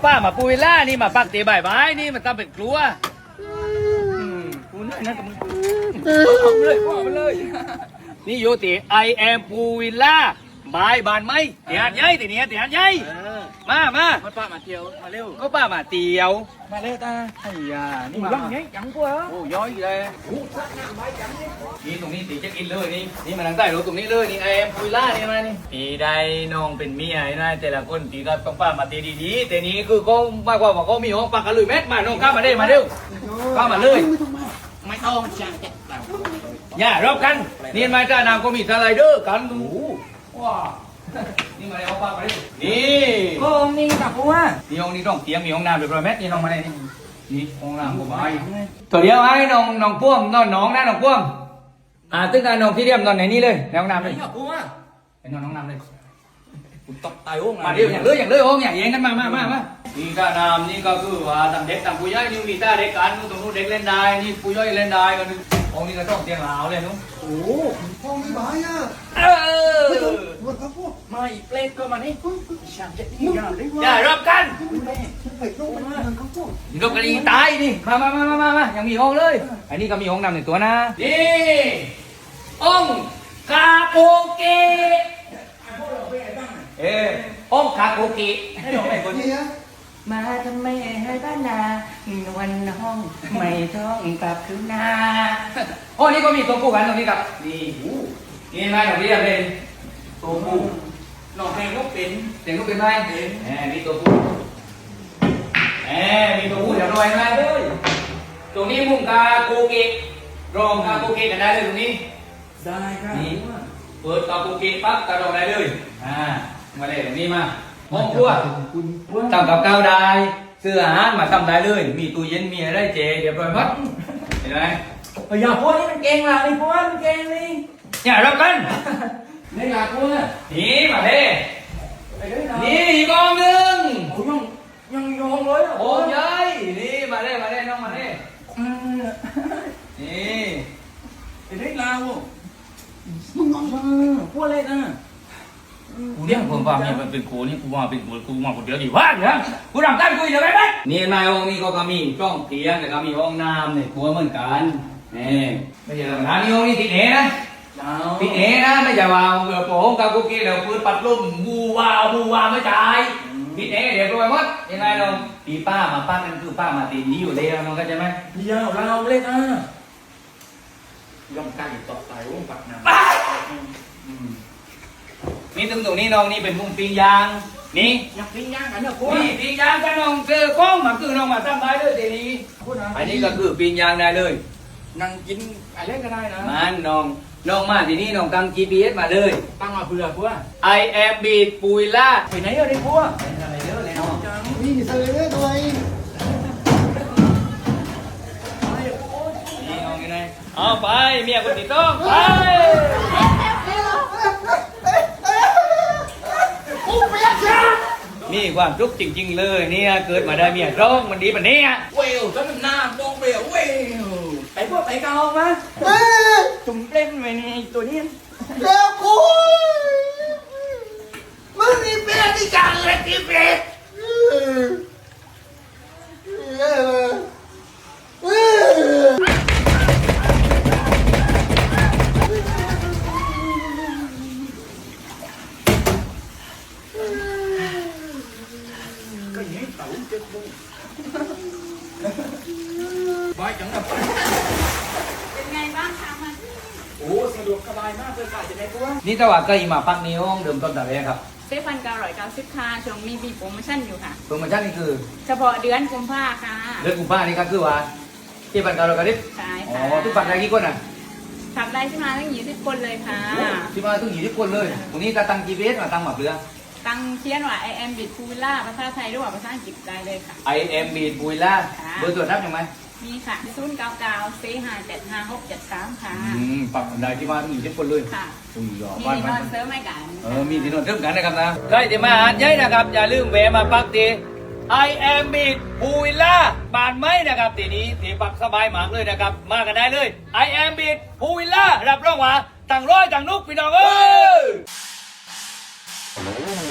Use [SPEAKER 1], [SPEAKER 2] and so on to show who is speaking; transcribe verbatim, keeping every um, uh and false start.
[SPEAKER 1] ป้ามาปูวิลล่านี่มาปักตีใบไม้นี่มันทำเป็นกลัวกูนี่นะกับมึงเอาเลยเอาไปเลยนี่โยติ I am ปูวิลล่าบายบานไหมเตียนยัยตีเนี้ยเตียนยัยมามามาป้ามาเที่ยวมาเร็วก็ป้ามาเที่ยวมาเร็วตาไอ้ยานี่มายังไงยังกว่าโอ้ย้อยเลยนี่ตรงนี้ตีเช็คอินเลยนี่นี่มาทางใต้รถตรงนี้เลยนี่ I am ปูวิลล่านี่มานี่ตีได้น้องเป็นเมียนะแต่ละคนตีก็ต้องป้ามาตีดีๆแต่นี้คือก็มากกว่าว่าเขามีห้องปักกันเลยแม็กมาน้องข้ามาได้มาเร็วข้ามาเลยไม่ต้องจังแกอย่ารบกันนี่มาจ้านางก็มีสไลเดอร์กันดูว้านี่มาเลยเอาปากมาดินี่ก็องนี่กับกูว่านี่ห้องนี้ต้องเตรียมมีห้องน้ำเรียบร้อยแม็กนี่น้องมาได้นี่นี่ห้องน้ำกูมาตัวเดียวไอ้น้องน้องพ่วงน้องน้องนะน้องพ่วงอ่าตึ้งการน้องที่เรียมนอนไหนนี่เลยในห้องน้ำเลยกูว่าไปนอนห้องน้ำเลยกูตกตายห้องมาเดียวอย่างเลยอย่างเลยห้องอย่างเย็นกันมามามามานี่ก็น้ำนี่ก็คือว่าต่างเด็กต่างผู้ใหญ่นี่มีตาเด็กกันตรงนู้นเด็กเล่นได้นี่ผู้ใหญ่เล่นได้กันห้องนี้ก็ต้องเตียงหลาวเลยนุ๊กโอ้ห้องนี้บ้าอ่ะเออมาอีกเปลดก็มานี่อย่ารบกันรบกันอีตายนี่มามามามามามายังมีห้องเลยอันนี้ก็มีห้องน้ำหนึ่งตัวนะนี่ห้องคาโกเกะเออห้องคาโกเกะให้ลองไปคนนี้มาทำไมให้บ้านนาวันห้องไม่ต้องกลับคืนนาห้องนี้ก็มีตัวผู้กันตรงนี้ครับนี่นี่มาอย่างนี้เลยตัวผู้น้องเพลงลูกเป็นเพลงลูกเป็นไหมเป็นแหมมีตัวผู้แหมมีตัวผู้เดี๋ยวรอยมาเลยตรงนี้มุ้งกาโกเกะรองกาโกเกะกันได้เลยตรงนี้ได้ครับนี่เปิดกาโกเกะปั๊บกระโดดได้เลยอ่ามาเลยตรงนี้มาห้องครัวทำกับข้าวได้ซื้ออาหารมาทำได้เลยมีตู้เย็นมีอะไรเจเรียบร้อยหมดเห็นไหมอย่าพูดนี่มันเก่งละนี่พูดมันเก่งนี่อย่ารับกันนี่อย่าพูดนี่มาเด้นี่อีกองหนึ่งยังยังยองเลยโอ้ยนี่มาเด้มาเด้น้องมาเด้นี่ไอ้เด็กลาวมึงงงพูดอะไรนะกูเรียกผมว่ามีมันเป็นกูนี่กูว่าเป็นกูกูมาคนเดียวดีว่าเนี่ยกูทำตั้งกูอยู่ไหมนี่นายห้องนี้ก็มีช่องเตียงแต่ก็มีห้องน้ำเนี่ยครัวเหมือนกันนี่ไม่ใช่ธรรมดานี่ห้องนี้ติดเอนะติดเอนะไม่ใช่ว่าเปิดโป่งกับกูกินแล้วปืนปัดลมบูวาบูวาไม่จ่ายติดเอเดี๋ยวรวยหมดยังไงเราปีป้ามาป้านั่นคือป้ามาตีนี้อยู่เลยน้องก็ใช่ไหมเดี๋ยวเราเล่นอ่ะย่อมกันต่อไปวงปักน้ำนี่ตรงตรงนี้น้องนี่เป็นมุมปิ้งยางนี่อยากปิ้งยางกันเหรอคุณนี่ปิ้งยางกันน้องเจอกล้องมาคือน้องมาทำได้เลยทีนี้อันนี้ก็คือปิ้งยางได้เลยนั่งกินอะไรก็ได้นะมันน้องน้องมาทีนี้น้องตั้ง จี พี เอส มาเลยตั้งมาเพื่อพวก I am beat ปุยล่าไปไหนเอาดิพวกไปทำอะไรเยอะเลยน้องนี่ใส่เลยด้วยนี่น้องยังไงเอาไปเมียคนติดต้องไปนี่ความทุกข์จริงๆเลยเนี่ยเกิดมาได้เมียร้องมันดีแบบนี้เวลจนหน้าดองเวลเวลไปพวกไปเกามาจุ่มเล่นไปในตัวนี้เดี๋ยวกูมึงนี่เป็นที่จังเลยที่เป็นบายจังแบบเป็นไงบ้างคะมันโอ้สะดวกสบายมากเลยค่ะจะได้ตัวนี่แต่ว่าก็อีมาปักนี้ห้องเดิมต้นแต่แรกครับเซฟพันเก้าร้อยเก้าสิบค่ะช่วงมีบีโปรโมชั่นอยู่ค่ะโปรโมชั่นนี่คือเฉพาะเดือนกุมภาค่ะเดือนกุมภานี่ครับคือว่าที่พันเก้าร้อยเก้าสิบใช่ค่ะอ๋อทุกปักได้กี่คนอ่ะขับได้ที่มาตั้งยี่สิบคนเลยค่ะที่มาตั้งยี่สิบคนเลยตรงนี้จะตั้ง จี พี เอส มาตั้งหมับเรือตั้งเขียนว่า I am beat ปูวิลล่าภาษาไทยหรือว่าภาษาอังกฤษได้เลยค่ะ I am beat ปูวิลล่าเบอร์ตรวจนับยังไงมีค่ะศูนย์เก้าเก้าสี่ห้าเจ็ดห้าหกเจ็ดสามค่ะอืมปักได้ที่มาตั้งยี่สิบคนเลยค่ะมีที่นอนเสริมให้กันเออมีที่นอนเสริมกันนะครับนะใครที่มาหาดใหญ่นะครับอย่าลืมแวะมาปักตี I am beat ปูวิลล่าบานไม้นะครับทีนี้ที่ปักสบายมากเลยนะครับมากันได้เลย I am beat ปูวิลล่ารับรองว่าต่างร้อยต่างนุกพี่น้องเอ้ย